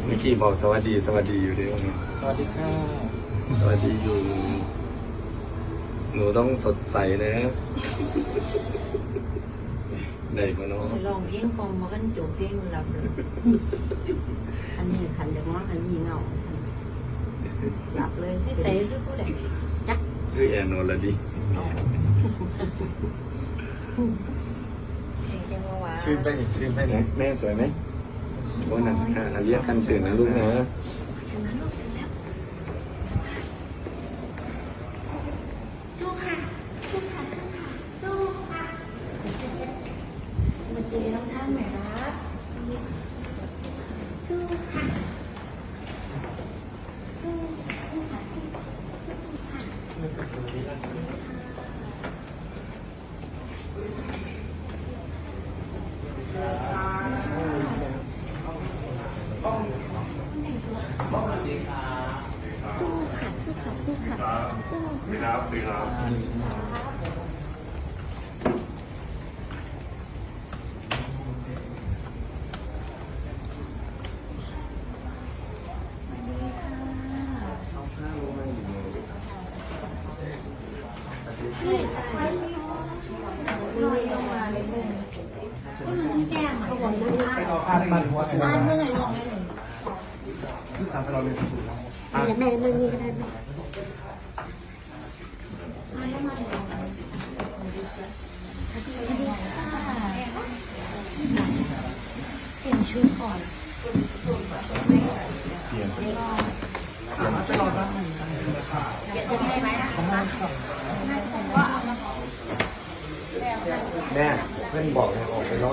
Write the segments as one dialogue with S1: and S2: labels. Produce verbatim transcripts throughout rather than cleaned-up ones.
S1: เมื่อกี้บอกสวัสดีสวัสดีอยู่ด้วย
S2: สวัสดีค่ะ
S1: สวัสดีอยู่หนูต้องสดใสนะได้มาเนาะ
S3: ลองเพียงกองมากันโจเพียงหลับเลยอันนี้ขันเดี๋ยวว่าอันนี้เงาหลับเลยที่ใส่คือผู้ใดจัก
S1: คือแอนโนละดิ
S2: ชื่นไปอีกชื่นไปไหน
S1: แม่สวยไหมโอ้นั่นค่ะเรียกกันตื่นนะลูกนะ
S3: สู้ค่ะสู้ค่ะสู้ค่ะสู้ค่ะมาเชียร์น้องท่านหน่อยนะสู้ค่ะสู้สู้ค่ะสู้สู้ค่ะสู้ค่ะสู้ค่ะสู้ค่ะสู้
S1: ดีครับดีครับ
S3: ใช่ใช่ลอยลงมาเลยเลยแก้มเขาบอกว่า
S2: ไปรอข้าวได้มาหัวไงบ้าง
S3: เมื่อไงลองได้เลย
S2: ตามไปรอในสตูแล้ว
S3: แม่นั่งนี่ก็ได้ไหมมาแล้วมาแล้วเปลี่ยนชุดก่อน
S1: เปลี่ยน
S2: ไปรอด้านหนึ่งกันเลยค่ะ
S3: เดี๋ยวจะให้ไหมนะคะ
S1: แม่เพื่อนบอกให้ออกไปร้อย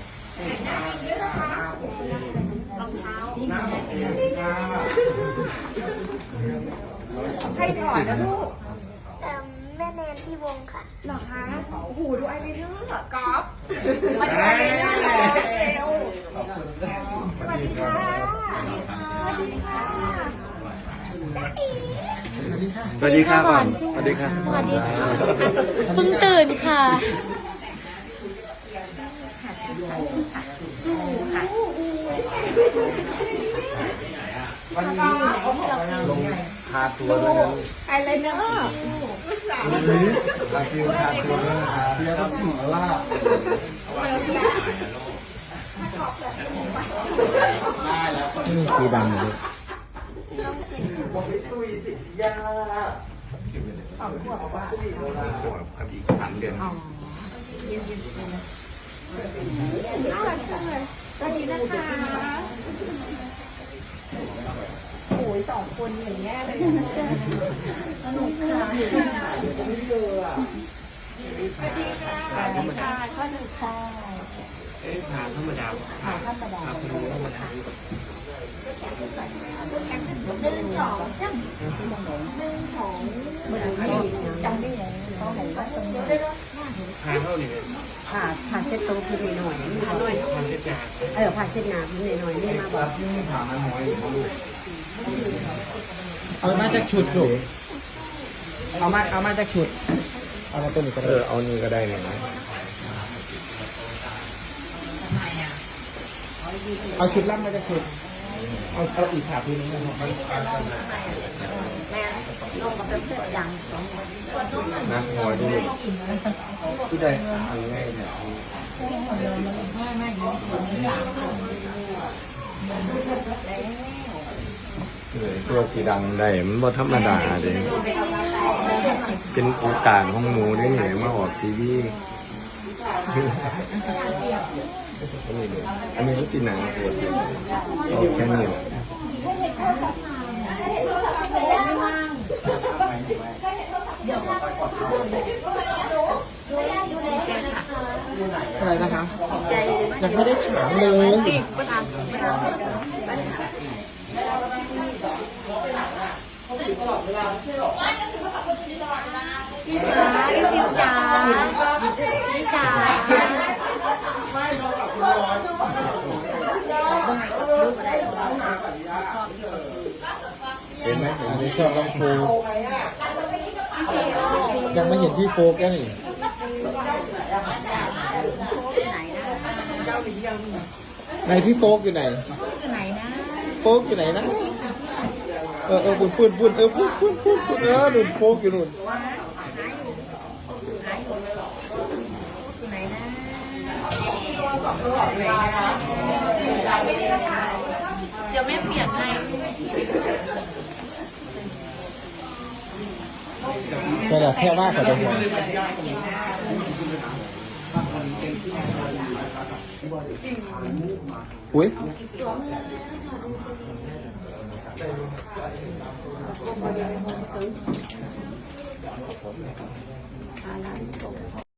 S4: ใครสอนนะลูก
S5: แม่แนนที่วงค่ะ
S4: เหรอคะ โอ้โห ดูไอเลเนอร์กอล์ฟมาดูไอเลเนอร์เร็วสวัสดีค่ะ สวัสดีค่ะ
S2: สวัสดีค่ะ
S1: สวัสดีค่ะก่อนสวัสดีค่ะ
S3: สวัสดีค่ะเพิ่งตื่นค่ะสู้ค่ะ
S2: วันนี้ลงคาตัวแล้วนะ
S4: ไอเลเนอร์ลูกสาว
S2: วันนี้คาฟิวคาตัวแล้วนะคะเรียกว่าหมอล่านี่คือดังเลยบอกไปตุยจิตยาสองขวบว่า
S1: ขวบกับอีกสามเดือน
S4: น่ารักจังเลยสวัสดีนะคะโอ้ยสองคนอย่างเงี้ยเลยสนุกค่ะสวัสดีค่ะสวัสดีค่ะข้อหนึ่งค่ะ
S1: เอ๊ะทานธรรมดา
S4: ค่ะธรรมดา
S1: ธรรมดา
S4: หนึ่งสองจ้ะหนึ่งสองเหมือนที่จำได้ยังเขาเห็นว่าตรงนี้
S1: ทานเท่านี้
S6: ผ่าผ่าเช็ดโต๊ะพี่หน่อยๆนี่บอก
S1: ทานเล็กน้
S6: เออผ่าเช็ดหนาพี่หน่อยๆนี่มาบอก
S2: ที่ถามมันหน่อยเอามาจากชุดลูกเอามาเอามาจากชุดเอามาตัวนี้ก็
S1: เอ
S2: ได้
S1: อเอานี่ก็ได้เนี่ยนะ
S2: เอาชุดล่ำมาจากชุดเอาเอาอีกขาตัวนี้นะครับ
S6: แม่ลงกับเพื่อนดังสองคน
S1: นะหัวที่ผู้ใดทำง่ายเนี่ยตัวสีดำได้มันบ่ธรรมดาเลยเป็นโอกาสของหนูได้เหนมาออกทีวีอันนี้มันสีหนังปวดเอาแค่นี้แหละ
S2: อะไรนะคะยังไม่ได้ถามเลย
S3: พี่จ๋าพี่จ๋าพี่จ๋า
S2: เห็นไหมเห็นไหมชอบลำโพงยังไม่เห็นพี่โฟกแค่นี่ไหนพี่โฟกอยู่ไหน
S3: ไหนนะ
S2: โป๊กอยู่ไหนนะเออเออปุ่นปุ่นปุ่นเออปุ่นปุ่นปุ่นปุ่นเออหนุนโป๊กอยู่หนุน
S3: ไหนนะ เดี๋ยวแม่เปลี่ยนให้
S2: แต่ละแค่ว่าเขาจะหัวอุ้ย
S3: สวมเลยค่ะ